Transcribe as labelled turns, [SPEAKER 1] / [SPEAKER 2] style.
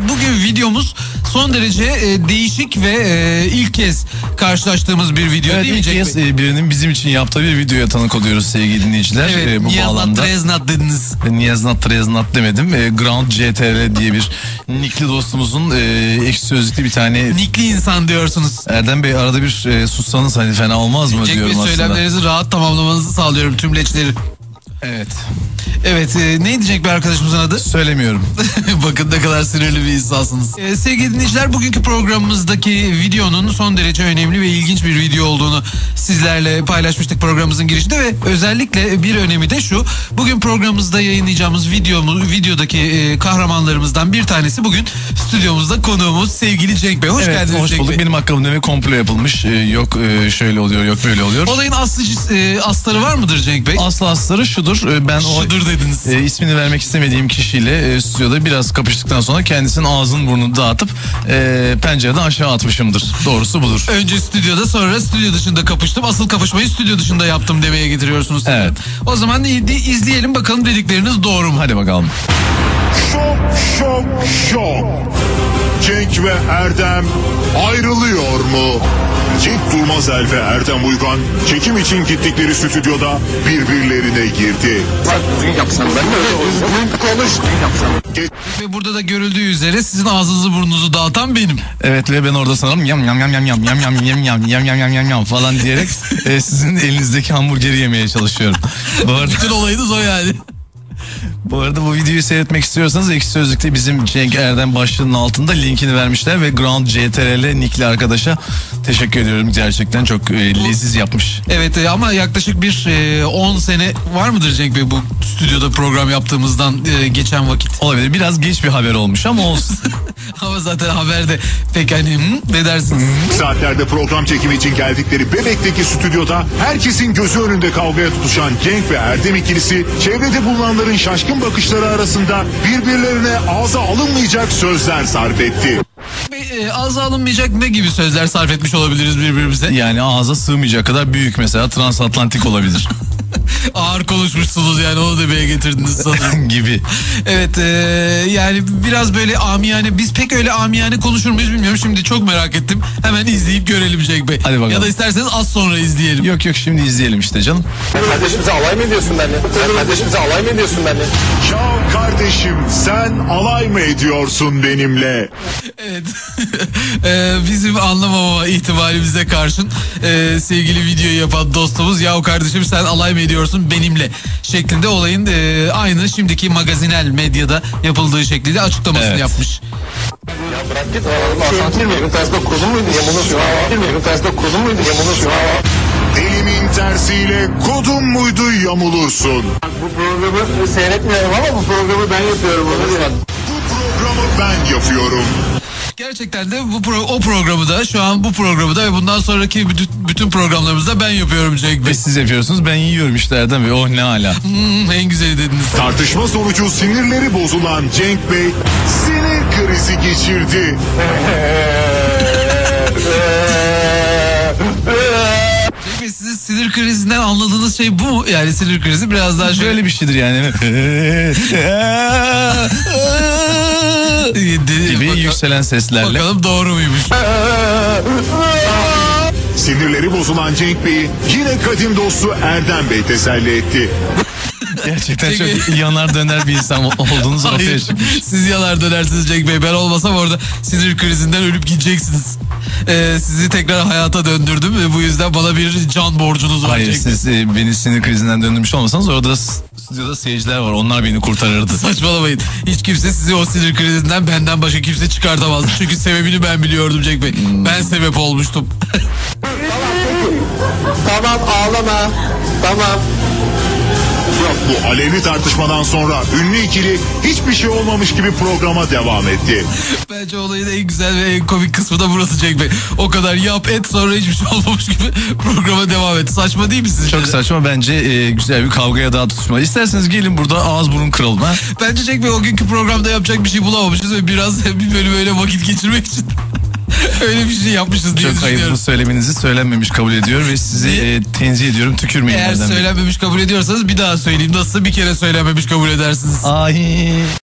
[SPEAKER 1] bugün videomuz son derece değişik ve ilk kez karşılaştığımız bir video,
[SPEAKER 2] evet,
[SPEAKER 1] değil mi
[SPEAKER 2] Cenk Bey? İlk kez birinin bizim için yaptığı bir videoya tanık oluyoruz sevgili dinleyiciler.
[SPEAKER 1] Evet,
[SPEAKER 2] bu bağlamda.
[SPEAKER 1] Treznat dediniz.
[SPEAKER 2] Niyaznat Treznat demedim. Ground CTR diye bir nickli dostumuzun ekşi sözlükte bir tane...
[SPEAKER 1] Nickli insan diyorsunuz.
[SPEAKER 2] Erdem Bey arada bir sussanız hani fena olmaz mı
[SPEAKER 1] Cenk
[SPEAKER 2] diyorum
[SPEAKER 1] Bey,
[SPEAKER 2] aslında.
[SPEAKER 1] söylemlerinizi rahat tamamlamanızı sağlıyorum, tümleçleri.
[SPEAKER 2] Evet.
[SPEAKER 1] Evet, neydi Cenk Bey arkadaşımızın adı?
[SPEAKER 2] Söylemiyorum.
[SPEAKER 1] Bakın ne kadar sinirli bir insansınız. Sevgili dinleyiciler, bugünkü programımızdaki videonun son derece önemli ve ilginç bir video olduğunu sizlerle paylaşmıştık programımızın girişinde ve özellikle bir önemi de şu: bugün programımızda yayınlayacağımız videodaki kahramanlarımızdan bir tanesi bugün stüdyomuzda konuğumuz sevgili Cenk Bey. Hoş geldiniz
[SPEAKER 2] hoş
[SPEAKER 1] Cenk
[SPEAKER 2] bulduk.
[SPEAKER 1] Bey.
[SPEAKER 2] Benim hakkımda bir komplo yapılmış. Yok şöyle oluyor, yok böyle oluyor.
[SPEAKER 1] Olayın astarı var mıdır Cenk Bey?
[SPEAKER 2] Aslı astarı şudur. Ben
[SPEAKER 1] şudur dediniz.
[SPEAKER 2] İsmini vermek istemediğim kişiyle stüdyoda biraz kapıştıktan sonra kendisinin ağzını burnunu dağıtıp pencereden aşağı atmışımdır. Doğrusu budur.
[SPEAKER 1] Önce stüdyoda, sonra stüdyo dışında kapıştım. Asıl kapışmayı stüdyo dışında yaptım demeye getiriyorsunuz.
[SPEAKER 2] Evet.
[SPEAKER 1] O zaman izleyelim bakalım dedikleriniz doğru mu?
[SPEAKER 2] Hadi bakalım.
[SPEAKER 3] Şok. Cenk ve Erdem ayrılıyor mu? Cenk Durmazel ve Erdem Uygan çekim için gittikleri stüdyoda birbirlerine girdi.
[SPEAKER 1] Ve burada da görüldüğü üzere sizin ağzınızı burnunuzu dağıtan benim.
[SPEAKER 2] Evet ve ben orada sanırım yam yam yam yam yam yam yam yam yam yam yam yam yam falan diyerek sizin elinizdeki hamburgeri yemeye çalışıyorum.
[SPEAKER 1] Bütün olayınız o yani.
[SPEAKER 2] Bu arada bu videoyu seyretmek istiyorsanız Ekşi Sözlük'te bizim Cenk Erdem başlığının altında linkini vermişler ve Ground CTRL nickli arkadaşa teşekkür ediyorum. Gerçekten çok leziz yapmış.
[SPEAKER 1] Evet, ama yaklaşık bir 10 sene var mıdır Cenk Bey bu stüdyoda program yaptığımızdan geçen vakit?
[SPEAKER 2] Olabilir. Biraz geç bir haber olmuş ama olsun.
[SPEAKER 1] Ama zaten haberde pek hani ne dersiniz?
[SPEAKER 3] Saatlerde program çekimi için geldikleri Bebek'teki stüdyoda herkesin gözü önünde kavgaya tutuşan Cenk ve Erdem ikilisi çevrede bulunanların şaşkın bakışları arasında birbirlerine ağza alınmayacak sözler sarf etti.
[SPEAKER 1] Ağza alınmayacak ne gibi sözler sarf etmiş olabiliriz birbirimize?
[SPEAKER 2] Yani ağza sığmayacak kadar büyük, mesela transatlantik olabilir.
[SPEAKER 1] Ağır konuşmuşsunuz yani, onu demeye getirdiniz sanırım.
[SPEAKER 2] gibi.
[SPEAKER 1] Evet, yani biraz böyle amiyane, biz pek öyle amiyane konuşur muyuz bilmiyorum. Şimdi çok merak ettim. Hemen izleyip görelim Cenk Bey.
[SPEAKER 2] Hadi bakalım.
[SPEAKER 1] Ya da isterseniz az sonra izleyelim.
[SPEAKER 2] Yok şimdi izleyelim işte canım.
[SPEAKER 4] Kardeşimize alay mı ediyorsun benimle? Kardeşimize alay mı ediyorsun benimle?
[SPEAKER 3] Ya kardeşim, sen alay mı ediyorsun benimle?
[SPEAKER 1] Evet. Bizim anlamama ihtimalimize karşın sevgili videoyu yapan dostumuz, ya o kardeşim sen alay mı ediyorsun benimle şeklinde olayın aynı şimdiki magazinel medyada yapıldığı şekliyle açıklamasını yapmış.
[SPEAKER 4] Ya bırak git. Asansör mü? Evin tersinde kurulu muydu? Evin tersinde kurulu muydu?
[SPEAKER 3] Elimin tersiyle kodum muydu yamulursun.
[SPEAKER 4] Bu programı seyretmiyorum ama bu programı ben yapıyorum.
[SPEAKER 3] Bu programı ben yapıyorum.
[SPEAKER 1] Gerçekten de o programı da, şu an bu programı da ve bundan sonraki bütün programlarımızda ben yapıyorum Cenk Bey.
[SPEAKER 2] Ve siz yapıyorsunuz, ben yiyorum işte Erdem Bey. Oh ne hala.
[SPEAKER 1] En güzeli dediniz.
[SPEAKER 3] Tartışma sonucu sinirleri bozulan Cenk Bey sinir krizi geçirdi.
[SPEAKER 1] Cenk Bey, sizin sinir krizinden anladığınız şey bu mu? Yani sinir krizi biraz daha şöyle...
[SPEAKER 2] Böyle bir şeydir yani. gibi yükselen seslerle.
[SPEAKER 1] Bakalım doğru muymuş?
[SPEAKER 3] Sinirleri bozulan Cenk Bey'i yine kadim dostu Erdem Bey teselli etti.
[SPEAKER 2] Gerçekten çok yanar döner bir insan olduğunuz ortaya çıkmış.
[SPEAKER 1] Siz yanar dönersiniz Cenk Bey. Ben olmasam orada sinir krizinden ölüp gideceksiniz. Sizi tekrar hayata döndürdüm ve bu yüzden bana bir can borcunuz var.
[SPEAKER 2] Hayır,
[SPEAKER 1] Cenk Bey.
[SPEAKER 2] siz beni sinir krizinden döndürmüş olmasanız orada stüdyoda seyirciler var. Onlar beni kurtarırdı.
[SPEAKER 1] Saçmalamayın. Hiç kimse sizi o sinir krizinden benden başka kimse çıkartamazdı. Çünkü sebebini ben biliyordum Cenk Bey. Ben sebep olmuştum.
[SPEAKER 4] Tamam, ağlama. Tamam.
[SPEAKER 3] Bu alevli tartışmadan sonra ünlü ikili hiçbir şey olmamış gibi programa devam etti.
[SPEAKER 1] Bence olayın en güzel ve en komik kısmı da burası Cenk Bey. O kadar yap et, sonra hiçbir şey olmamış gibi programa devam et. Saçma değil mi sizce?
[SPEAKER 2] Çok saçma bence, güzel bir kavgaya daha tutuşma. İsterseniz gelin burada ağız burun kıralım ha.
[SPEAKER 1] Bence Cenk Bey o günkü programda yapacak bir şey bulamamışız ve biraz bir bölüm öyle vakit geçirmek için öyle bir şey yapmışız diye
[SPEAKER 2] Çok
[SPEAKER 1] düşünüyorum.
[SPEAKER 2] ayıp, bu söylemenizi söylenmemiş kabul ediyor ve sizi tenzih ediyorum, tükürmeyin.
[SPEAKER 1] Eğer söylenmemiş kabul ediyorsanız bir daha söyleyeyim. Nasılsa bir kere söylenmemiş kabul edersiniz.
[SPEAKER 2] Ay.